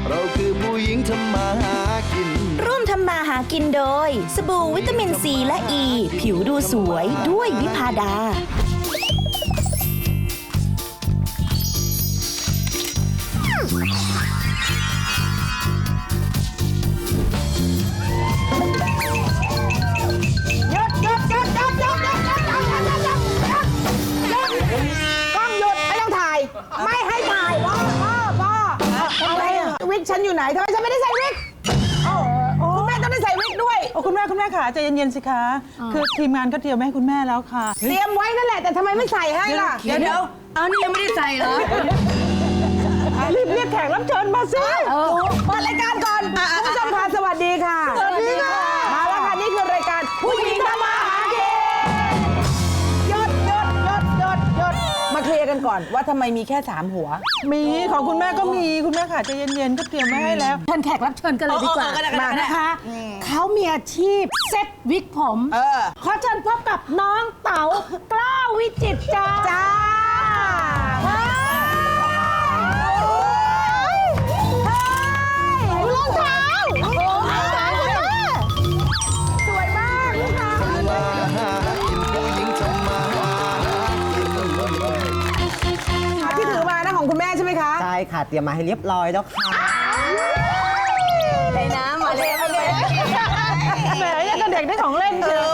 เราคือผู้หญิงทำมาหากินร่วมทำมาหากินโดยสบู่วิตามินซีและอ e, ีผิวดูสวยด้วยวิพาดาวิกฉันอยู่ไหนทำไมฉันไม่ได้ใส่วิกคุณแม่ต้องได้ใส่วิกด้วยคุณแม่ขาใจเย็นๆสิคะคือทีมงานก็เตรียมไว้ให้คุณแม่แล้วค่ะเตรียมไว้นั่นแหละแต่ทำไมไม่ใส่ให้ล่ะเดี๋ยวเอานี่ยังไม่ได้ใส่เหรอรีบเรียกแขกรับเชิญมาสิเปิดรายการก่อนคุณผู้ชมค่ะสวัสดีค่ะสวัสดีค่ะมาแล้วค่ะนี่คือรายการผู้หญิงทำมาหากินหยุดมาเคลียร์กันก่อนว่าทำไมมีแค่3หัวมีของคุณแม่ก็มีคุณแม่ขาใจเย็นๆก็เตรียมไว้ให้แล้วเชิญแขกรับเชิญกันเลยดีกว่ามานะคะเขามีอาชีพเซ็ตวิกผมขอเชิญพบกับน้องเต๋ากล้าวิจิตรจ้ารองเท้าสวยมากค่ะที่ถือมานะของคุณแม่ใช่ไหมคะใช่ค่ะเตรียมมาให้เรียบร้อยแล้วค่ะในน้ำมาเลยแหมยังกับเด็กได้ของเล่นเชียว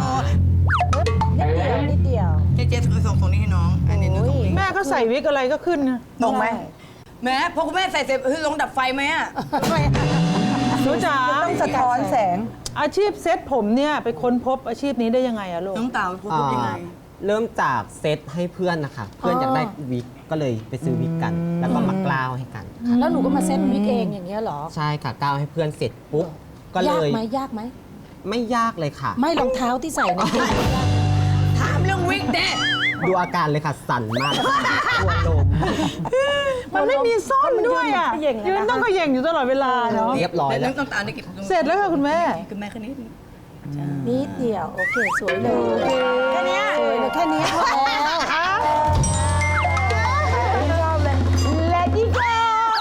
นิดเดียวเจ๊ส่งนี้ให้น้องอันนี้ส่งนี้แม่ก็ใส่วิกอะไรก็ขึ้นนะตรงไหมแม่พอคุณแม่ใส่เสร็จลงดับไฟไหมอ่ะรู้จ๋าต้องสะท้อนแสงอาชีพเซ็ตผมเนี่ยไปค้นพบอาชีพนี้ได้ยังไงอะลูกน้องเต่าพบยังไงเริ่มจากเซตให้เพื่อนนะคะเพื่อนอยากได้วิกก็เลยไปซื้อวิกกัน แล้วก็มากล้าวให้กันแล้วหนูก็มาเซ็ตวิกเองอย่างเงี้ยเหรอใช่ค่ะกล้าวให้เพื่อนเสร็จปุ๊บก็เลยยากไหมไม่ยากเลยค่ะไม่รองเท้าที่ใส่นะถามเรื่องวิกเด็ดดูอาการเลยค่ะสั่นมากตัวโลมมันไม่มีซ่อนด้วยอ่ะยืนต้องก็เย่งอยู่ตลอดเวลาเนาะเรียบร้อยแล้วต้องตามได้เก็บเสร็จแล้วค่ะคุณแม่คุณแม่แค่นี้นิดเดียวโอเคสวยเลยแค่นี้สวยเลยแค่นี้พอแล้วชอบเลย Let it go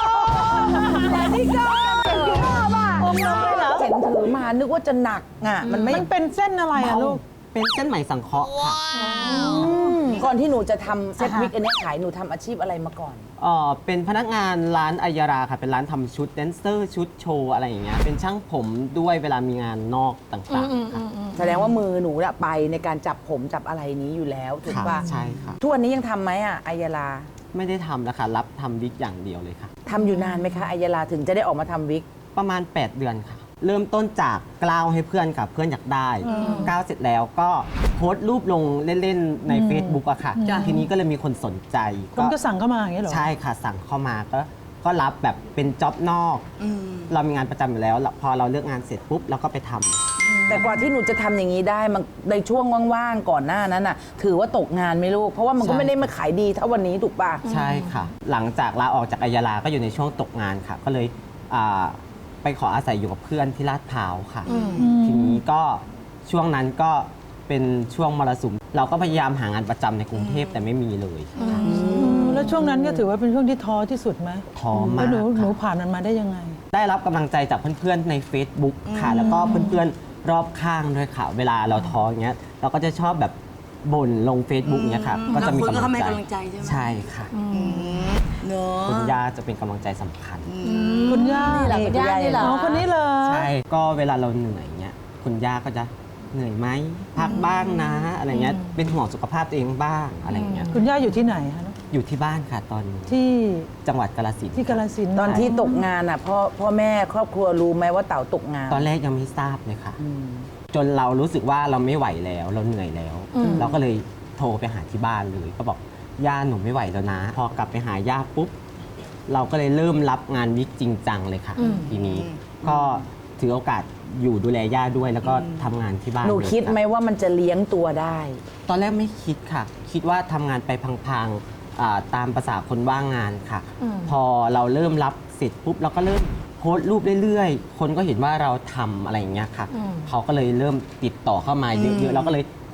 Let it go ชอบอ่ะเห็นถือมานึกว่าจะหนักอ่ะมันเป็นเส้นอะไรอะลูกเป็นเส้นไหมสังเคราะห์ค่ะก่อนที่หนูจะทำเซ็ตวิกอันนี้ขายหนูทำอาชีพอะไรมาก่อนเป็นพนักงานร้านอัยยาราค่ะเป็นร้านทำชุดแดนเซอร์ชุดโชว์อะไรอย่างเงี้ยเป็นช่างผมด้วยเวลามีงานนอกต่างๆค่ะแสดงว่ามือหนูไปในการจับผมจับอะไรนี้อยู่แล้วถูกป่ะใช่ค่ะทุกวันนี้ยังทำไหมอ่ะอัยยาราไม่ได้ทำแล้วค่ะรับทำวิกอย่างเดียวเลยค่ะทำอยู่นานไหมคะอัยยาราถึงจะได้ออกมาทำวิกประมาณ8 เดือนค่ะเริ่มต้นจากกล้าวให้เพื่อนค่ะเพื่อนอยากได้กล้าวเสร็จแล้วก็โพสต์รูปลงเล่นๆใน Facebook อะค่ะทีนี้ก็เลยมีคนสนใจคนก็สั่งเข้ามาอย่างนี้เหรอใช่ค่ะสั่งเข้ามาก็รับแบบเป็นจ็อบนอกเรามีงานประจำอยู่แล้วพอเราเลิกงานเสร็จปุ๊บเราก็ไปทำแต่กว่าที่หนูจะทำอย่างนี้ได้มันในช่วงว่างๆก่อนหน้านั้นน่ะถือว่าตกงานไหมลูกเพราะว่ามันก็ไม่ได้มาขายดีเท่าวันนี้ถูกป่ะใช่ค่ะหลังจากลาออกจากอัยยาราก็อยู่ในช่วงตกงานค่ะก็เลยไปขออาศัยอยู่กับเพื่อนที่ลาดพร้าวค่ะทีนี้ก็ช่วงนั้นก็เป็นช่วงมรสุมเราก็พยายามหางานประจำในกรุงเทพแต่ไม่มีเลยแล้วช่วงนั้นก็ถือว่าเป็นช่วงที่ท้อที่สุดไหมท้อมากแล้วหนูผ่านมันมาได้ยังไงได้รับกำลังใจจากเพื่อนๆใน Facebook ค่ะแล้วก็เพื่อนๆรอบข้างด้วยค่ะเวลาเราท้ออย่างเงี้ยเราก็จะชอบแบบบ่นลง Facebook เนี้ยค่ะก็จะมีกำลังใจใช่ค่ะคุณย่าจะเป็นกำลังใจสำคัญคุณย่านี่เหรอคนนี้เลยใช่ก็เวลาเราเหนื่อยเงี้ยคุณย่าก็จะเหนื่อยไหมพักบ้างนะอะไรเงี้ยเป็นห่วงสุขภาพตัวเองบ้างอะไรเงี้ยคุณย่าอยู่ที่ไหนคะอยู่ที่บ้านค่ะตอนนี้ที่จังหวัดกาฬสินธุ์ที่กาฬสินธุ์ตอนที่ตกงานอ่ะพ่อแม่ครอบครัวรู้ไหมว่าเต๋าตกงานตอนแรกยังไม่ทราบเลยค่ะจนเรารู้สึกว่าเราไม่ไหวแล้วเราเหนื่อยแล้วเราก็เลยโทรไปหาที่บ้านเลยก็บอกย่าหนูไม่ไหวแล้วนะพอกลับไปหาย่าปุ๊บเราก็เลยเริ่มรับงานวิกจริงจังเลยค่ะทีนี้ก็ถือโอกาสอยู่ดูแลย่าด้วยแล้วก็ทำงานที่บ้านหนูคิดไหมว่ามันจะเลี้ยงตัวได้ตอนแรกไม่คิดค่ะคิดว่าทำงานไปพังๆตามภาษาคนว่างงานค่ะพอเราเริ่มรับเสร็จปุ๊บเราก็เริ่มโพสต์รูปเรื่อยๆคนก็เห็นว่าเราทำอะไรอย่างเงี้ยค่ะเขาก็เลยเริ่มติดต่อเข้ามาเยอะๆเราก็เลย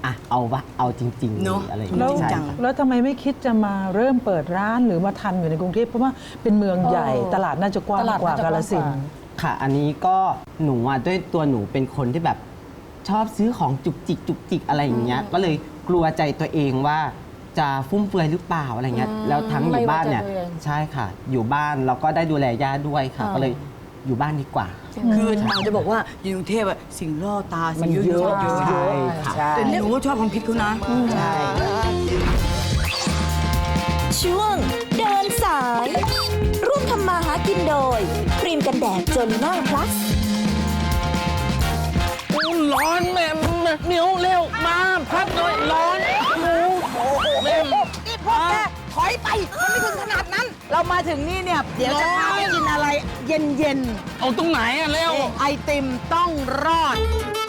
เอาจริงๆเนอะอะไรอย่างแล้เงี้วยใช่ค่ะแล้วทำไมไม่คิดจะมาเริ่มเปิดร้านหรือมาทำอยู่ในกรุงเทพเพราะว่าเป็นเมืองใหญ่ตลาดน่าจะกว้างกว่ากาฬสินธุ์ค่ะ อันนี้ก็หนูด้วยตัวหนูเป็นคนที่แบบชอบซื้อของจุกจิกอะไรอย่างเงี้ย ก็เลยกลัวใจตัวเองว่าจะฟุ่มเฟือยหรือเปล่าอะไรเงี้ย แล้วทั้งอยู่บ้านเนี่ยใช่ค่ะ อยู่บ้านเราก็ได้ดูแลย่าด้วยค่ะ ก็เลยอยู่บ้านดีกว่าคือเราจะบอกว่าอยู่กรุงเทพอะสิ่งล่อตาสิ่งเยอะใช่ค่ะแต่หนูก็ชอบความคิดเขานะใช่ช่วงเดินสาย ร่วมทำมาหากินโดย ครีมกันแดดจนหน้าพลัสร้อนแม่เหนียวเร็วมาพัดหน่อยร้อนแม่นี่พวกแกถอยไปมันไม่ถึงขนาดนั้น เรามาถึงนี่เนี่ย เดี๋ยวจะพาไปกินอะไรเย็นเอาตรงไหนอะเร็วๆไอติมต้องรอด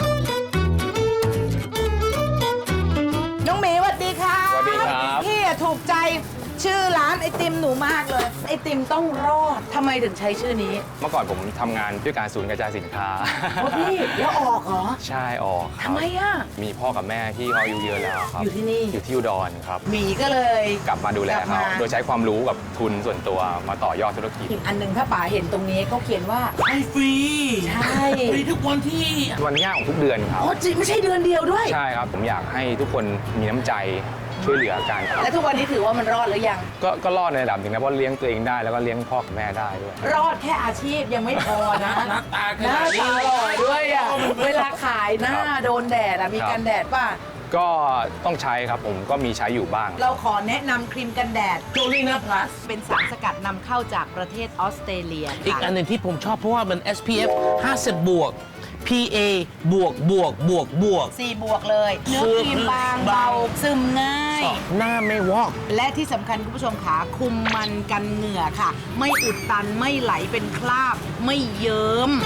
น้องหมีสวัสดีค่ะสวัสดีครับพี่อะถูกใจชื่อร้านไอติมหนูมากเลย ไอติมต้องรอดทำไมถึงใช้ชื่อนี้เมื่อก่อนผมทำงานด้วยการศูนย์กระจายสินค้าพี่แล้วออกเหรอใช่ออกครับทำไมอ่ะมีพ่อกับแม่ที่เขาอายุเยอะแล้วครับอยู่ที่นี่อยู่ที่อุดรครับหมีก็เลยกลับมาดูแลกลับเขามาโดยใช้ความรู้กับทุนส่วนตัวมาต่อยอดธุรกิจอีกอันหนึ่งถ้าป๋าเห็นตรงนี้เขาเขียนว่าให้ฟรีใช่ฟรีทุกวันที่วันย่างของทุกเดือนครับอ๋อจริงไม่ใช่เดือนเดียวด้วยใช่ครับผมอยากให้ทุกคนมีน้ำใจช่วยเหลือกันแล้วทุกวันนี้ถือว่ามันรอดหรือยังก็รอดในระดับหนึ่งนะเพราะเลี้ยงตัวเองได้แล้วก็เลี้ยงพ่อกับแม่ได้ด้วยรอดแค่อาชีพยังไม่พอนะหน้าตาขหน้านาดนี้ตาหล่อด้วยอ่ะ เวลาขายหน้าโดนแดดอ่ะมีกันแดดป่ะก็ต้องใช้ครับผมก็มีใช้อยู่บ้างเราขอแนะนำครีมกันแดดโจลีน่าพลัสเป็นสารสกัดนำเข้าจากประเทศออสเตรเลียอีกอันหนึ่งที่ผมชอบเพราะว่ามัน SPF 50 บวก PA บวก 4 บวกเลย เนื้อครีมบางเบาซึมง่ายหน้าไม่วอกและที่สำคัญคุณผู้ชมขาคุมมันกันเหงื่อค่ะ ไม่อุดตันไม่ไหลเป็นคราบ ไม่เยิ้ม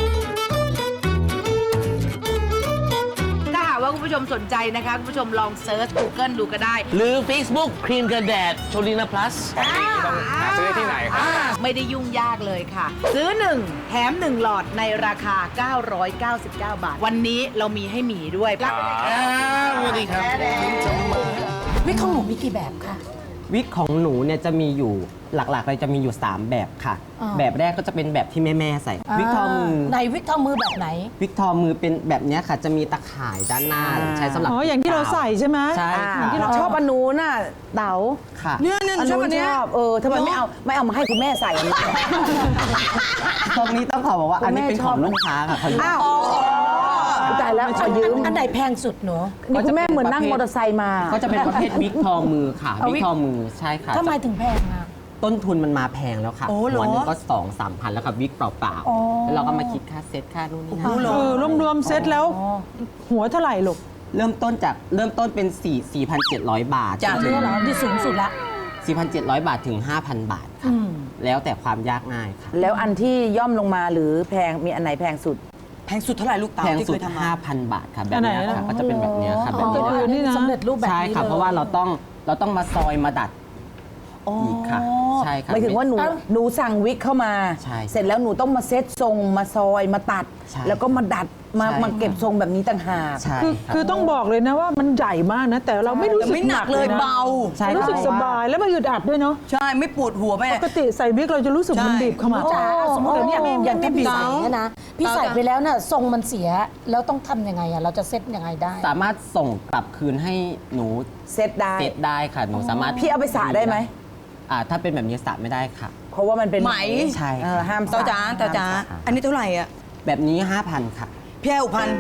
ถ้าหากว่าคุณผู้ชมสนใจนะคะคุณผู้ชมลองเซิร์ช Google ดูก็ได้หรือ Facebook ครีมกันแดดโจลีน่าพลัสต้องหาซื้อได้ที่ไหนครับไม่ได้ยุ่งยากเลยค่ะ ซื้อ 1 แถม 1 หลอดในราคา 999 บาท วันนี้เรามีให้หมีด้วยรับไปเลยค่ะสวัสดีครับวิกของหนูมีกี่แบบคะวิกของหนูเนี่ยจะมีอยู่หลักๆเลยจะมีอยู่ 3 แบบค่ะ แบบแรกก็จะเป็นแบบที่แม่ๆใส่ วิกทอมือในวิกทอมือแบบไหนวิกทอมือเป็นแบบเนี้ยค่ะ จะมีตะข่ายด้านหน้าใช้สำหรับอ๋ออย่างที่เราใส่ใช่ไหมใช่ค่ะที่เราชอบอันนู้นน่ะเต๋าค่ะเนี่ยหนูชอบอันเนี้ยทำไมไม่เอามาให้คุณแม่ใส่อันนี้ตรงนี้ต้องขอบอกว่าอันนี้เป็นของลูกค้าค่ะเขาอยู่อ้าวตายแล้วขอยืมอันไหนแพงสุดหนูนี่คุณแม่เหมือนนั่งมอเตอร์ไซค์มาก็จะเป็นประเภทวิกทอมือค่ะ วิกทอมือใช่ค่ะทำไมถึงแพงอ่ะต้นทุนมันมาแพงแล้วค่ะโอ้เหรอหัวหนึงก็ 2-3 พันแล้วกับวิกเปล่าๆแล้วเราก็มาคิดค่าเซ็ตค่านู่นนี่นั่นรวมๆเซ็ตแล้ว หัวเท่าไหร่ลูกเริ่มต้นเป็น 4,700 บาทจ้ะจนเหรอที่สูงสุดละ 4,700 บาทถึง 5,000 บาทค่ะ แล้วแต่ความยากง่ายค่ะแล้วอันที่ย่อมลงมาหรือแพงมีอันไหนแพงสุดแพงสุดเท่าไหร่ลูกเต๋าแพงที่สุเคดยทำมา 5,000 บาทค่ะ แบบเนี้ยอันไหนค่ะนะก็จะเป็นแบบเนี้ยค่ะแบบอ๋อเนี้ยนี่นะสำเร็จรูปแบบนี้ใช่ค่ะลยเพราะว่าเราต้องมาซอยมาดัดอีกค่ะใช่ค่ะหมายถึงว่าหนูสั่งวิกเข้ามาใช่เสร็จแล้วหนูต้องมาเซ็ตทรงมาซอยมาตัดใช่แล้วก็มาดัดมาใช่มาเก็บทรงแบบนี้ต่างหากใช่คือต้องบอกเลยนะว่ามันใหญ่มากนะ แต่เราไม่รู้สึกไม่หนักเลยนะเบาใช่รู้สึกค่ะสบายแล้วมันอึดอัดด้วยเนาะใช่ไม่ปวดหัวแม่ปกติใส่วิกเราจะรู้สึกมันใช่บีบขมับจ๋าสมมติแต่เนี่ยอย่างที่พี่เต๋าใส่เนี่ยนะ พี่ใส่ไปแล้วน่ะทรงมันเสีย แล้วต้องทำยังไงอ่ะ เราจะเซ็ตยังไงได้สามารถส่งกลับคืนให้หนูเซ็ตได้เซ็ตได้ค่ะ หนูสามารถพี่เอาไปสระได้ไหมถ้าเป็นแบบนี้สระไม่ได้ค่ะเพราะว่ามันเป็นไหมใช่ห้ามสเต๋าระจ๋าเต๋าจ๋าค่ะอันนี้เท่าไหร่อ่ะแบบนี้ 5,000 ค่ะพี่ให้6,000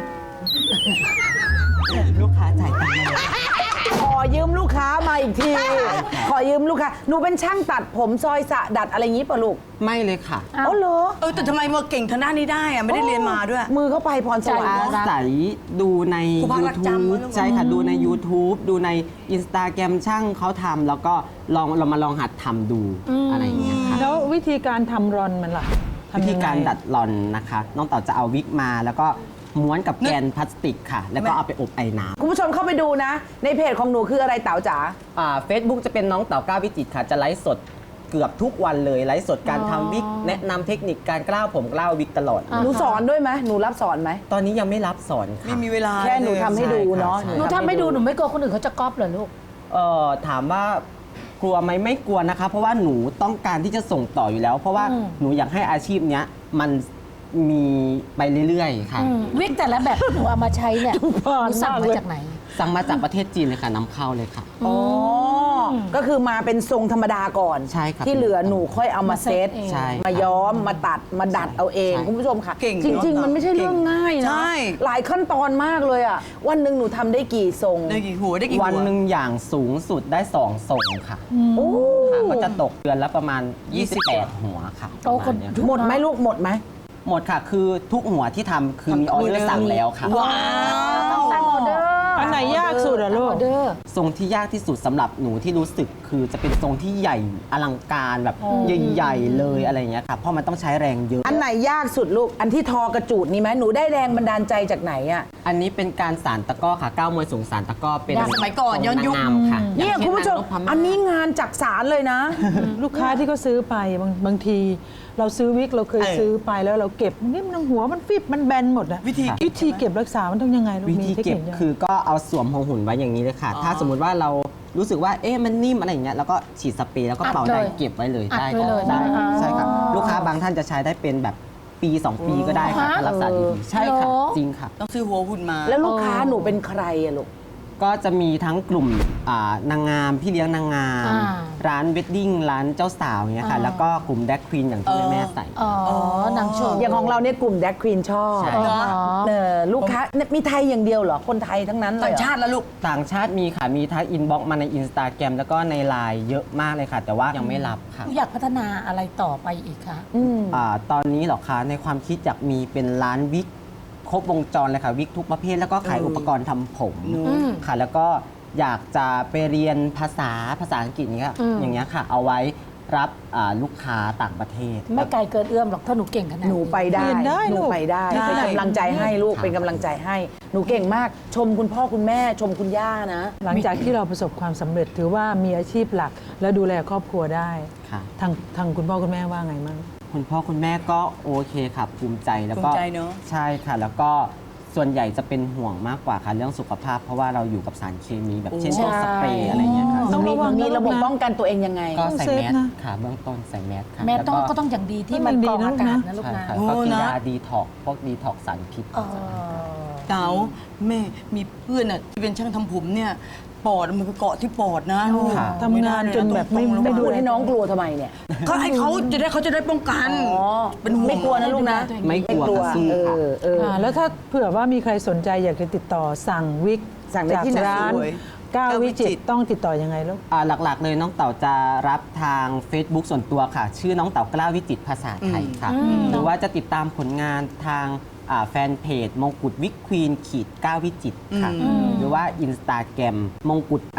ลูกค้าจ่ายตังค์มาเลยขอยืมลูกค้ามาอีกที ขอยืมลูกค้าหนูเป็นช่างตัดผมซอยสระดัดอะไรอย่างนี้ป่ะลูกไม่เลยค่ะอ๋อเหรอแต่ทำไมมาเก่งทางด้านนี้ได้อ่ะไม่ได้เรียนมาด้วยมือเข้าไปพรสวรรค์อาเนอะศัยดูในครูบารักจำ YouTube มั้ยใช่ค่ะ ดูใน YouTube ดูใน Instagram ช่างเขาทำแล้วก็เรามาลองหัดทำดูอะไรอย่างเงี้ยค่ะแล้ววิธีการทำรอนมันล่ะทำวิยังไงธีการดัดรอนนะคะ น้องเต่าจะเอาวิกมาแล้วก็ม้วนกับแกนพลาสติกค่ะ แล้วก็เอาไปอบไอ้น้คุณผู้ชมเข้าไปดูนะ ในเพจของหนูคืออะไรเต๋าจ๋าำเฟซบุ๊กจะเป็นน้องเต่าก้าววิจิตรค่ะ จะไลฟ์สดเกือบทุกวันเลยไลฟ์สดการทำวิกแนะนำเทคนิคการกล้าวผมกล้าววิกตลอดหนูสอนด้วยไหมหนูรับสอนไหมตอนนี้ยังไม่รับสอนไม่ค่ะมีเวลาแค่หนูทำให้ดูเนาะใช่หนูทำให้ดูหนูไม่กลัวคนอื่นเขาจะก๊อปเหรอลูกถามว่ากลัวไหมไม่กลัวนะคะ เพราะว่าหนูต้องการที่จะส่งต่ออยู่แล้ว เพราะว่าหนูอยากให้อาชีพเนี้ยมันมีไปเรื่อยๆค่ะวิกแต่ละแบบที่หนูเอามาใช้เนี่ยหนูสั่งมาจากไหนสั่งมาจากประเทศจีนเลยค่ะนำเข้าเลยค่ะอ๋อก็คือมาเป็นทรงธรรมดาก่อนใช่ครับที่เหลือหนูค่อยเอามาเซตใช่มาย้อมมาตัดมาดัดเอาเองใช่คุณผู้ชมค่ะเก่งจริงเนอะๆ มันไม่ใช่เรื่องง่ายนะใช่หลายขั้นตอนมากเลยอ่ะวันหนึ่งหนูทำได้กี่ทรงได้กี่หัวได้กี่หัววันหนึ่งอย่างสูงสุดได้2ส่งค่ะโอ้ค่ะก็จะตกเดือนละประมาณ 28 หัวค่ะโอ้ประมาณเนี้ยหมดไหมลูกหมดไหมหมดค่ะ คือทุกหัวที่ทำคือมีออเดอร์สั่งแล้วค่ะว้าวตั้งออเดอร์อันไหนยากสุดอะลูกออเดอร์ทรงที่ยากที่สุดสำหรับหนูที่รู้สึกคือจะเป็นทรงที่ใหญ่อลังการแบบใหญ่ๆเลยอะไรอย่างเงี้ยค่ะเพราะมันต้องใช้แรงเยอะอันไหนยากสุดลูกอันที่ทอกระจูดนี่ไหมหนูได้แรงบันดาลใจจากไหนอ่ะอันนี้เป็นการสานตะกร้อค่ะก้าวมวยสูงสานตะกร้อเป็นสมัยก่อนย้อนยุคทรงางงามค่ะเนี่ยอย่างช่คุณผู้ชมนางนพมาศอันนี้งานจักสารเลยนะลูกค้าที่เขาซื้อไปบางที เราซื้อวิกเราเคยซื้อไปแล้วเราเก็บนี่มันหัวมันฟิบมันแบนหมดอะวิธีเก็บรักษามันต้องยังไงลูกวิมีธีเทคเก็บนิคยังไงคือก็เอาสวมหัวหุ่นไว้อย่างนี้เลยค่ะ ถ้าสมมุติว่าเรารู้สึกว่าเอ๊ะมันนิ่มอะไรอย่างเงี้ยแล้วก็ฉีดสเปรย์แล้วก็เป่าอัดเลยได้เก็บไว้เลยอัดได้ไว้เลยได้อ๋อใช่ครับลูกค้าบางท่านจะใช้ได้เป็นแบบปี 2 ปีก็ได้ค่ะถ้ารักษาดีๆใช่ค่ะเหรอจริงค่ะต้องซื้อหัวหุ่นมาแล้วลูกค้าหนูเป็นใครอะลูกก็จะมีทั้งกลุ่มนางงามพี่เลี้ยงนางงามอ่าร้านเวดดิ้งร้านเจ้าสาวเงี้ยค่ะแล้วก็กลุ่มแดกควีนอย่างที่แม่ๆใส่อ๋อนางโชว์อย่างของเราเนี่ยกลุ่มแดกควีนชอบใช่ลูกค้าเนี่ยมีไทยอย่างเดียวเหรอ คนไทยทั้งนั้นเลยต่างเหรอชาติแล้วลูกต่างชาติมีค่ะ มีทักอินบ็อกมาในอินสตาแกรมแล้วก็ในไลน์เยอะมากเลยค่ะ แต่ว่ายังไม่รับค่ะอยากพัฒนาอะไรต่อไปอีกคะตอนนี้เหรอคะในความคิดอยากมีเป็นร้านวิกครบวงจรเลยค่ะ วิกทุกประเภทแล้วก็ขายอุปกรณ์ทำผมค่ะ แล้วก็อยากจะไปเรียนภาษาอังกฤษนี้ค่ะอย่างเงี้ยค่ะ เอาไว้รับลูกค้าต่างประเทศไม่ไกลเกินเอื้อมหรอกถ้าหนูเก่งขนาดหนูไปได้เรียนได้หนูลูกไปได้ได้เป็นกำลังใจให้ลูกค่ะเป็นกำลังใจให้ หนูเก่งมาก ชมคุณพ่อคุณแม่ชมคุณย่านะหลังจากที่เราประสบความสำเร็จถือว่ามีอาชีพหลัก และดูแลครอบครัวได้ค่ะทางคุณพ่อคุณแม่ว่าไงมั่งคุณพ่อคุณแม่ก็โอเคค่ะภูมิใจแล้วก็ภูมิใจเนอะใช่ค่ะ แล้วก็ส่วนใหญ่จะเป็นห่วงมากกว่าค่ะเรื่องสุขภาพ เพราะว่าเราอยู่กับสารเคมีแบบเช่นพวกสเปรย์อะไรเงี้ยค่ะหนูมีต้องระวังมีนะระบบลูกนะป้องกันตัวเองยังไงก็ใส่ต้องเซฟแมสนะค่ะเบื้องต้นใส่แมสค่ะแม่ต้องล้วก็ต้องอย่างดีที่มันกรองอากาศนะลูกใช่นะค่ะโอ้ก็กินนะยาดีท็อกพวกดีท็อกสารพิษเต๋าแม่มีเพื่อนอ่ะที่เป็นช่างทำผมเนี่ยปอดมันไปเกาะที่ปอดนะลูกค่ะทำงานจนแบบไม่ไม่ดูดูแลให้น้องกลัวทำไมเนี่ยก็ให้เขาจะได้ป้องกัน เป็นห่วงไม่กลัวนะลูกนะไม่กลัวค่ะสู้ค่ะแล้วถ้าเผื่อว่ามีใครสนใจอยากจะติดต่อสั่งวิกสั่งได้ที่ไหนจากร้านสวยก้าววิจิตรต้องติดต่อยังไงลูกหลักๆเลยน้องเต่าจะรับทาง Facebook ส่วนตัวค่ะ ชื่อน้องเต่ากล้าวิจิตรภาษาไทยค่ะ หรือว่าจะติดตามผลงานทางแฟนเพจมงกุฎวิกควีนก้าวิจิตรค่ะ หรือว่า Instagram มงกุฎ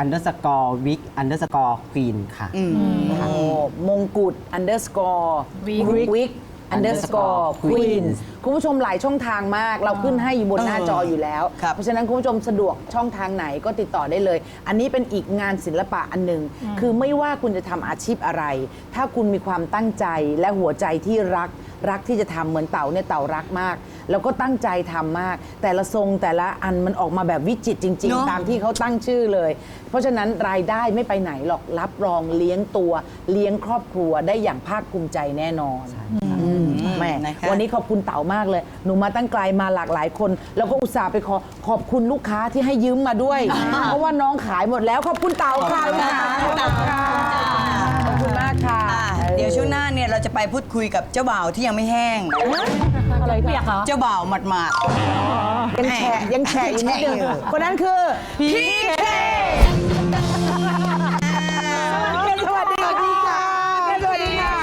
_วิก_ควีนค่ะโอ้มงกุฎ underscore wig underscore queen คุณผู้ชมหลายช่องทางมาก เราขึ้นให้อยู่บนหน้าจออยู่แล้วครับเพราะฉะนั้นคุณผู้ชมสะดวกช่องทางไหนก็ติดต่อได้เลย อันนี้เป็นอีกงานศิลปะอันหนึ่งคือไม่ว่าคุณจะทำอาชีพอะไร ถ้าคุณมีความตั้งใจและหัวใจที่รักที่จะทำเหมือนเต่าเนี่ยเต่ารักมาก แล้วก็ตั้งใจทำมาก แต่ละทรงแต่ละอันมันออกมาแบบวิจิตรจริงเนอะๆ ตามที่เขาตั้งชื่อเลย เพราะฉะนั้นรายได้ไม่ไปไหนหรอกรับรองเลี้ยงตัวเลี้ยงครอบครัวได้อย่างภาคภูมิใจแน่นอนแม่นะคะวันนี้ขอบคุณเต๋ามากเลย หนูมาตั้งไกลมาหลากหลายคน แล้วก็อุตส่าห์ไปขอบคุณลูกค้าที่ให้ยืมมาด้วย เพราะว่าน้องขายหมดแล้วขอบคุณเต๋าค่ะลูกค้าขอบคุณค่ะขอบคุณมากค่ะเดี๋ยวช่วงหน้าเนี่ยเราจะไปพูดคุยกับเจ้าบ่าวที่ยังไม่แห้งอะไรเปียกเหรอเจ้าบ่าวหมาดยังแฉะอยู่นิดนึงคนนั้นคือพี่เคสวัสดีค่ะสวัสดีค่ะ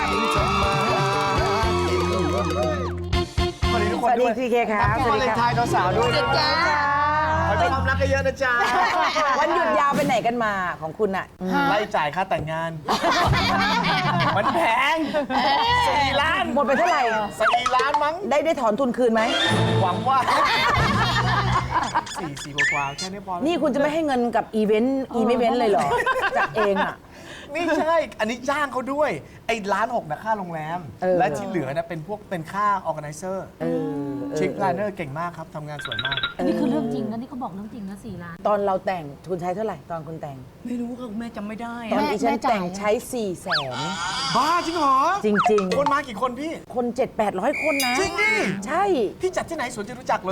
สวัสดีทุกสคนวัสดีด้วยพี่เคครับสวาวัสเลดีนคไทรับน์สาวๆด้วยนะจ๊ะขอให้ความรักเยอะๆนะจ๊ะวันหยุดยาวไปไหนกันมาของคุณอะไล่จ่ายค่าแต่งงาน มันแพง4 ล้านหมดไปเท่าไหร่ 4 ล้านมั้งได้ถอนทุนคืนไหมหวังว่า 4 กว่าๆแค่นี้พอแล้วนี่คุณจะไม่ให้เงินกับอีเวนต์เลยเหรอ จัดเองอะไม่ใช่ อันนี้จ้างเขาด้วยไอ้1,600,000นะค่าโรงแรม และที่เหลือนะเป็นค่า organizer ชิคพลานเนอร์เก่งมากครับทำงานสวยมากอันนี้คือเรื่องจริงนะนี่เขาบอกเรื่องจริงนะ4 ล้านตอนเราแต่งทุนใช้เท่าไหร่ตอนคุณแต่งไม่รู้ค่ะคุณแม่จำไม่ได้ตอนอะที่ฉันแม่จ่ายแต่งใช้ 400,000 บ้าจริงเหรอจริงๆคนมากี่คนพี่คน 700-800 คนนะจริงดิใช่พี่จัดที่ไหนสวนจตุจักรเลย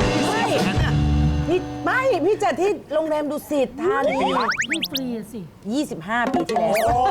พี่จัดที่โรงแรมดุสิตธานีนี่ฟรีสิ 25 ปีที่แล้ว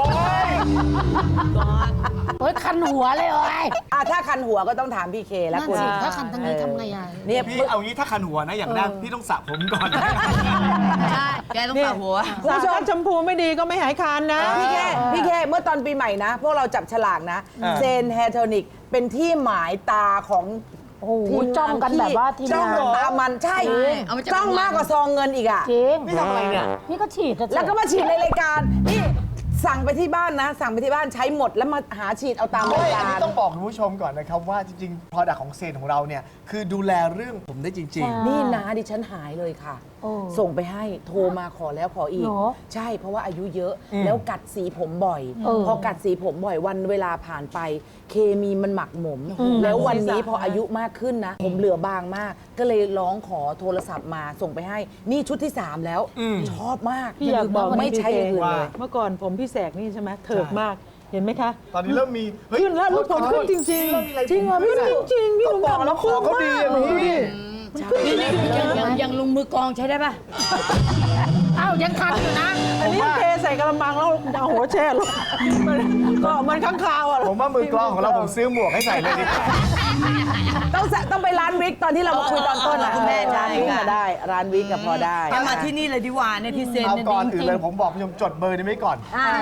โอ้ยคันหัวเลยโอ้ยถ้าคันหัวก็ต้องถามพี่เคแล้วนั่นคุณสิถ้าคันทางนี้ทำไงอ่ะเนี่ยพี่เอางี้ถ้าคันหัวนะอย่างแรกพี่ต้องสระผมก่อนใช่แกต้องสระหัวคุณผู้ชมชมพูไม่ดีก็ไม่หายคานนะพี่แค่เมื่อตอนปีใหม่นะ พวกเราจับฉลากนะ เซนแฮร์โทนิกเป็นที่หมายตาของโอ้โหจ้องกันแบบว่าทีมจ้องงานตามันใช่เอามาจากจ้องมากกว่าซองเงินอีกอ่ะจริงนี่ทำอะไรเนี่ยนี่ก็ฉีดอะแล้วก็มาฉีดในรายการ นี่สั่งไปที่บ้านนะ สั่งไปที่บ้านใช้หมดแล้วมาหาฉีดเอาตามรายอันกานี้รต้องบอกคุณผู้ชมก่อนนะครับว่าจริงๆ product ของเซนของเราเนี่ยคือดูแลเรื่องผมได้จริงนี่นะดิฉันหายเลยค่ะโอ้ส่งไปให้โทรมาขอแล้วขออีกเหรอใช่เพราะว่าอายุเยอะแล้วกัดสีผมบ่อย พอกัดสีผมบ่อยวันเวลาผ่านไป เคมีมันหมักหมม แล้ววันนี้พออายุมากขึ้นนะ ผมเหลือบางมาก ก็เลยร้องขอโทรศัพท์มาส่งไปให้ นี่ชุดที่ 3 แล้ว ชอบมากพี่อยากบอกไม่ใช้อย่างอื่นเลยเมื่อก่อนผมพี่แสกนี่ใช่ไหมเถิดมากเห็นไหมคะๆ ตอนนี้เริ่มมีเฮ้ยขึ้นแล้วลูกผมขึ้นจริงๆจริงเหรอพี่ขึ้นแสกจริงๆพี่ต้องบอกแล้วขอเขาดีอะดูพี่ดิยังลงมือกองใช้ได้ป่ะ อ้าวยังคันอยู่นะอันนี้เทใส่กระมังแล้วเอาหัวแช่ลงมันข้างคาวอ่ะผมว่ามือกลองของเราผมซื้อหมวกให้ใส่เลยดีกว่าต้องไปร้านวิกตอนที่เรามาคุยตอนต้นนะคุณแม่ใช่ร้านวิกค่ะมาได้ ร้านวิกกับพอได้แกมาที่นี่เลยดีกว่าเนี่ยที่เซนเอาเนี่ยก่อนจอื่นริงเลยผมบอกคุณผู้ชมจดเบอร์นี้ไว้ก่อนที่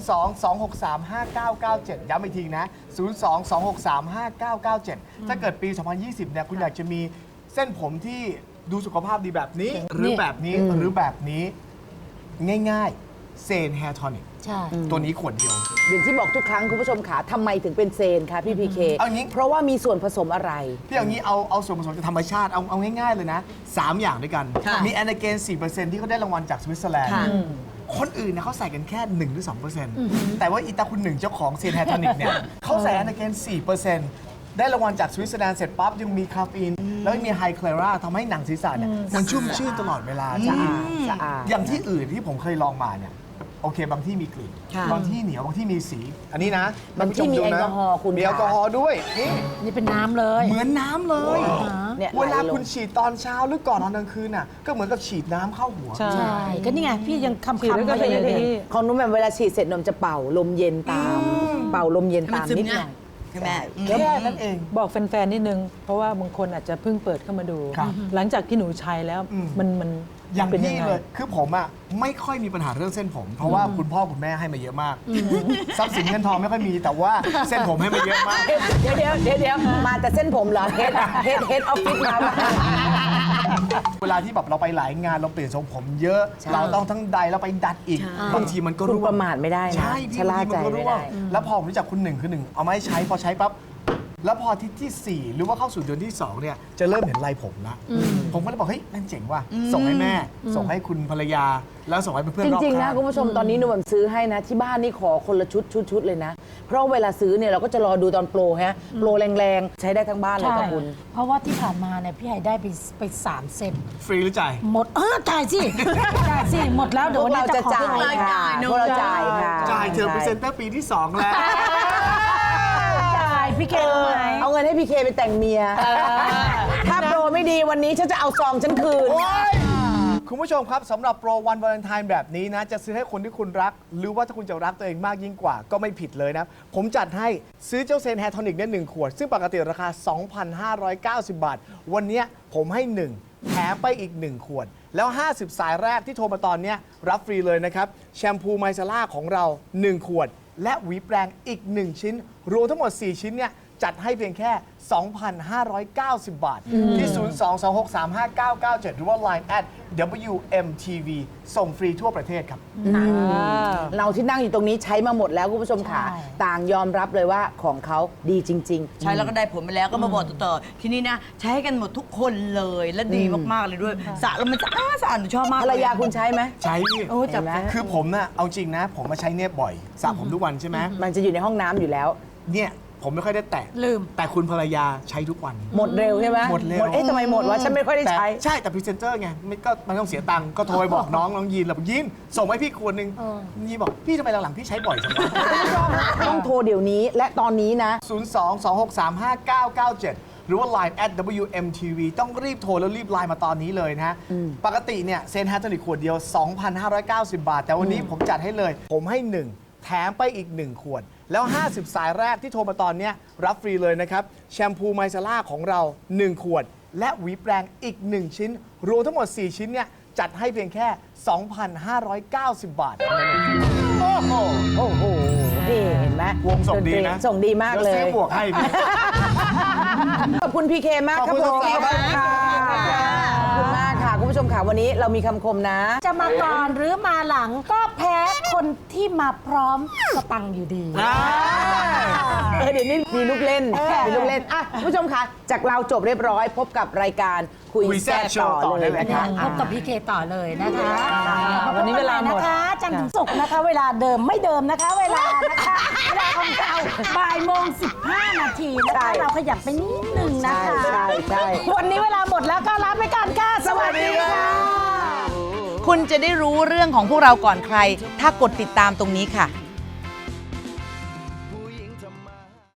02-263-5997 ย้ำอีกทีนะ 02-263-5997 ถ้าเกิดปี 2020 เนี่ยคุณอยากจะมีเส้นผมที่ดูสุขภาพดีแบบนี้ หรือแบบนี้หรือแบบนี้ง่ายๆเซนแฮร์ทอนิกใช่ตัวนี้ขวดเดียวอย่างที่บอกทุกครั้งคุณผู้ชมขาทำไมถึงเป็นเซนคะพี่พีเคเอางี้เพราะว่ามีส่วนผสมอะไรพี่เอางี้เอาส่วนผสมจากธรรมชาติเอาง่ายๆเลยนะ 3 อย่างด้วยกัน มีแอนนาเกน 4% ที่เขาได้รางวัลจากสวิตเซอร์แลนด์ คนอื่นนะเขาใส่กันแค่ 1 หรือ 2%แต่ว่าอีตาคุณหนึ่งเจ้าของเซนแฮร์ทอนิกเนี่ยเขาใส่แอนนาเกน 4%ได้รางวัลจากสวิตเซอร์แลนด์เสร็จปั๊บยังมีคาเฟอีนแล้วยังมีไฮคลอราทำให้หนังศีรษะเนี่ยมันชุ่มชื่นตลอดเวลาสะอาดอย่างที่อื่นที่ผมเคยลองมาเนี่ยโอเคบางที่มีกลิ่นบางที่เหนียวบางที่มีสี อันนี้นะบางที่มีท่นผู้ชแอลกอฮอล์คุณมีแอลกอฮอล์ด้วยนี่นี่เป็นน้ำเลยเหมือนน้ำเลยเนี่ยเวลาไหลงคุณฉีดตอนเช้าหรือก่อนนอนกลางคืนน่ะก็เหมือนกับฉีดน้ำเข้าหัวใช่ใช่ ก็นี่ไง พี่ยังคำฉีดแล้วก็ๆมาเลยเป็นอย่างเนี่ยนี้ของนุ่มแบบเวลาฉีดเสร็จนมจะเป่าลมเย็นตาม เป่าลมเย็นตามนิดหน่อยใช่ไหมแค่นั้นเองบอกแฟนๆนิดนึง เพราะว่าบางคนอาจจะเพิ่งเปิดเข้ามาดูครับหลังจากที่หนูใช้แล้วอืมมันอย่างเป็นพี่ยังไงเลยคือผมอ่ะไม่ค่อยมีปัญหาเรื่องเส้นผม เพราะว่าคุณพ่อคุณแม่ให้มาเยอะมากทรัพย์สินเงินทองไม่ค่อยมีแต่ว่าเส้นผมให้มาเยอะมากเดี๋ยวมาแต่เส้นผมเหรอเฮดออฟฟิศมาเวลาที่แบบเราไปหลายงานเราเปลี่ยนทรงผมเยอะใช่เราต้องทั้งใดแล้วไปดัดอีกบางทีมันก็คุณร่วงประมาทไม่ได้นะใช่พี่ชะล่าใจบางทีมันก็ไม่ร่วงได้แล้วพอผมรู้จักคุณหนึ่งคือหนึ่งเอามาให้ใช้พอใช้ปั๊บแล้วพออาที่ที่ 4 หรือว่าเข้าสู่เดือนที่ 2 เนี่ยจะเริ่มเห็นลายผมละผมก็เลยบอกเฮ้ยนั่นเจ๋งว่ะส่งให้แม่ ส่งให้คุณภรรยา แล้วส่งให้เพื่อนๆจรอบริงๆนะข้างคุณผู้ชมตอนนี้หนุ่มซื้อให้นะ ที่บ้านนี่ขอคนละชุดเลยนะ เพราะเวลาซื้อเนี่ยเราก็จะรอดูตอนโปรฮะโปรแรงๆ ใช้ได้ทั้งบ้านเลยใช่ค่ะคุณเพราะว่าที่ผ่านมาเนี่ยพี่ไห่ได้ไป3 เซตฟรีหรือจ่ายหมดจ่ายสิ จ่ายสิ หมดแล้วเดี๋ยววันนี้จะขอพวกเราจะจ่าย พวกเราจ่ายค่ะจ่ายเธอพรีเซนเตอร์ปีที่ 2 แล้วจ่ายพี่เกรู้ไหมเอาเงินให้พี่เคไปแต่งเมีย ถ้าโปรไม่ดีวันนี้ฉันจะเอาซองฉันคืนคุณผู้ชมครับสำหรับโปรวันวาเลนไทน์แบบนี้นะ จะซื้อให้คนที่คุณรัก หรือว่าถ้าคุณจะรักตัวเองมากยิ่งกว่าก็ไม่ผิดเลยนะ ผมจัดให้ซื้อเจ้าเซนแฮร์โทนิกเนี่ย1 ขวด ซึ่งปกติราคา 2,590 บาท วันเนี้ยผมให้ 1 แถมไปอีก 1 ขวด แล้ว 50 สายแรกที่โทรมาตอนเนี้ยรับฟรีเลยนะครับแชมพูไมซาร่าของเรา 1 ขวด และหวีแปรงอีก 1 ชิ้น รวมทั้งหมด 4 ชิ้นเนี่ยจัดให้เพียงแค่ 2,590 บาท ที่ 022635997 หรือว่า Line @WMTV ส่งฟรีทั่วประเทศครับเราที่นั่งอยู่ตรงนี้ใช้มาหมดแล้วคุณผู้ชมค่ะ ต่างยอมรับเลยว่าของเขาดีจริง ๆใช้แล้วก็ได้ผลไปแล้วก็มาบอกต่อๆทีนี้นะใช้กันหมดทุกคนเลยและดีมากๆเลยด้วยสระแล้วมันสะอาดหนูชอบมากภรรยาคุณใช้ไหมใช้พี่โอ้จับเห็นไหมคือผมน่ะเอาจริงนะ ผมมาใช้เนี่ยบ่อยสระผมทุกวันใช่ไหมมันจะอยู่ในห้องน้ำอยู่แล้วเนี่ยผมไม่ค่อยได้แตะลืมแต่คุณภรรยาใช้ทุกวันหมดเร็วใช่ไหมหมดเร็วเอ๊ะทำไมหมดวะฉันไม่ค่อยได้ใช้แต่ใช่แต่พรีเซนเตอร์ไงไม่ก็มันต้องเสียตังค์ก็โทรไปบอกน้องยีนแล้วบอกยีนส่งให้พี่ขวดหนึ่งยีนบอกพี่ทำไมหลังๆพี่ใช้บ่อยจังวะต้องโทรเดี๋ยวนี้และตอนนี้นะ 022635997 หรือว่า Line @WMTV ต้องรีบโทรแล้วรีบไลน์มาตอนนี้เลยนะฮะ ปกติเนี่ยเซนฮาร์โทนิกขวดเดียว 2,590 บาท แต่วันนี้ผมจัดให้เลย ผมให้ 1 แถมไปอีก 1 ขวด แล้ว 50 สายแรกที่โทรมาตอนเนี้ยรับฟรีเลยนะครับ แชมพูไมซาร่าของเรา 1 ขวด และหวีแปรงอีก 1 ชิ้น รวมทั้งหมด 4 ชิ้นเนี่ยจัดให้เพียงแค่ 2,590 บาท โอ้โหโอ้โหนี่เห็นไหมวงส่งดีนะส่งดีมากเลดี๋วซื้ยอหมวกให้พี่ขอบคุณพีเคมากครับขอบคุณผมครับขอบคุณค่ะขอบคุณมากค่ะ คุณผู้ชมค่ะวันนี้เรามีคำคมนะจะมาก่อนหรือมาหลังก็แพ้คนที่มาพร้อมสตังค์อยู่ดีเดี๋ยวนี้มีลูกเล่นมีลูกเล่นอ่ะคุณผู้ชมคะจากเราจบเรียบร้อย พบกับรายการคุยคุยแซ่แซ่บบ โชว์ต่อต่อเลได้ยเลยนะครัคะบพบกับพี่เคต่อเลยนะคะวันนี้เวลาหมดนะคะจันทร์ถึงศุกร์นะคะ เวลาเดิมไม่เดิมนะคะ เวลานะคะ เวลาของเราบ่ายโมง15 นาทีนะคะ เราขยับไปนิดนึงนะคะใช่วันนี้เวลาหมดแล้วก็ลาไปก่อนค่ะ สวัสดีค่ะคุณจะได้รู้เรื่องของพวกเราก่อนใคร ถ้ากดติดตามตรงนี้ค่ะ